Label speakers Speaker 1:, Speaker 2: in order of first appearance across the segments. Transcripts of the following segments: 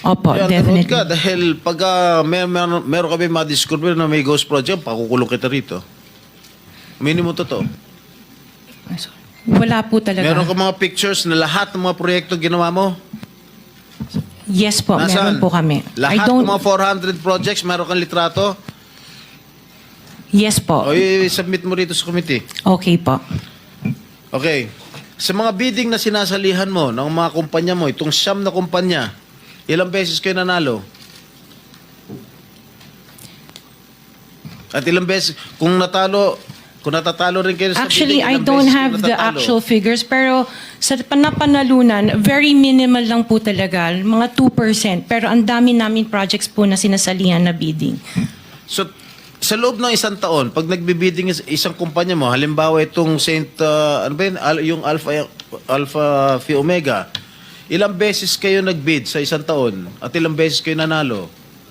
Speaker 1: Opo,
Speaker 2: Kaya
Speaker 1: definitely.
Speaker 2: ka, dahil pag meron kami ma-discover na may ghost project, pakukulong kita rito. Minimum totoo.
Speaker 1: Wala po talaga.
Speaker 2: Meron ka mga pictures na lahat ng mga proyekto ginawa mo?
Speaker 1: Yes po,
Speaker 2: Nasaan?
Speaker 1: meron po kami.
Speaker 2: Lahat ng mga 400 projects, meron kang litrato?
Speaker 1: Yes po.
Speaker 2: O i-submit mo rito sa committee.
Speaker 1: Okay po.
Speaker 2: Okay. Sa mga bidding na sinasalihan mo ng mga kumpanya mo, itong siyam na kumpanya, ilang beses kayo nanalo? At ilang beses, kung natatalo rin kayo sa
Speaker 1: Actually,
Speaker 2: bidding,
Speaker 1: I
Speaker 2: ilang
Speaker 1: don't
Speaker 2: beses
Speaker 1: have
Speaker 2: kayo
Speaker 1: the
Speaker 2: natatalo?
Speaker 1: actual figures, pero sa napanalunan, very minimal lang po talaga, mga 2%. Pero ang dami namin projects po na sinasalihan na bidding.
Speaker 2: So, sa loob ng isang taon, pag nagbibidding isang kumpanya mo, halimbawa itong ano ba yun? Yung Alpha Phi Omega, ilang beses kayo nagbid sa isang taon at ilang beses kayo nanalo?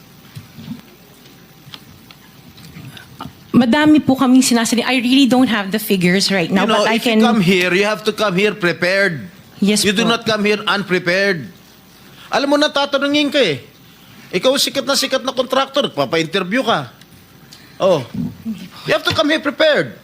Speaker 1: Madami po kaming sinasalihan. I really don't have the figures right now,
Speaker 2: You know,
Speaker 1: but I
Speaker 2: if
Speaker 1: can...
Speaker 2: you come here, you have to come here prepared.
Speaker 1: Yes
Speaker 2: You do
Speaker 1: po.
Speaker 2: not come here unprepared. Alam mo na, tatanungin ka eh. Ikaw sikat na contractor, papa-interview ka. Oh. You have to come here prepared.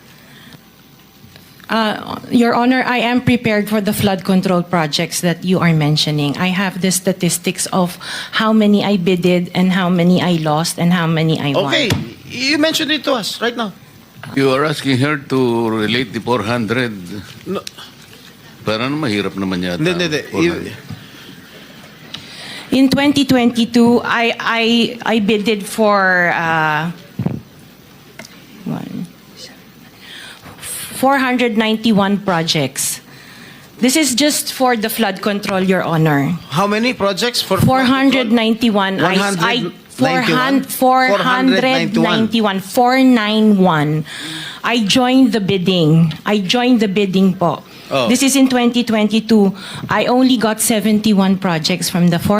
Speaker 1: Your Honor, I am prepared for the flood control projects that you are mentioning. I have the statistics of how many I bidded and how many I lost and how many I won.
Speaker 2: Okay. You mentioned it to us right now.
Speaker 3: You are asking her to relate the 400.
Speaker 2: No.
Speaker 3: Parang mahirap naman yata.
Speaker 2: Hindi.
Speaker 3: 400.
Speaker 1: In 2022, I bidded for 491 projects. This is just for the flood control, Your Honor.
Speaker 2: How many projects? For
Speaker 1: 491.
Speaker 2: 491?
Speaker 1: 491. I joined the bidding. Po.
Speaker 2: Oh.
Speaker 1: This is in 2022. I only got 71 projects from the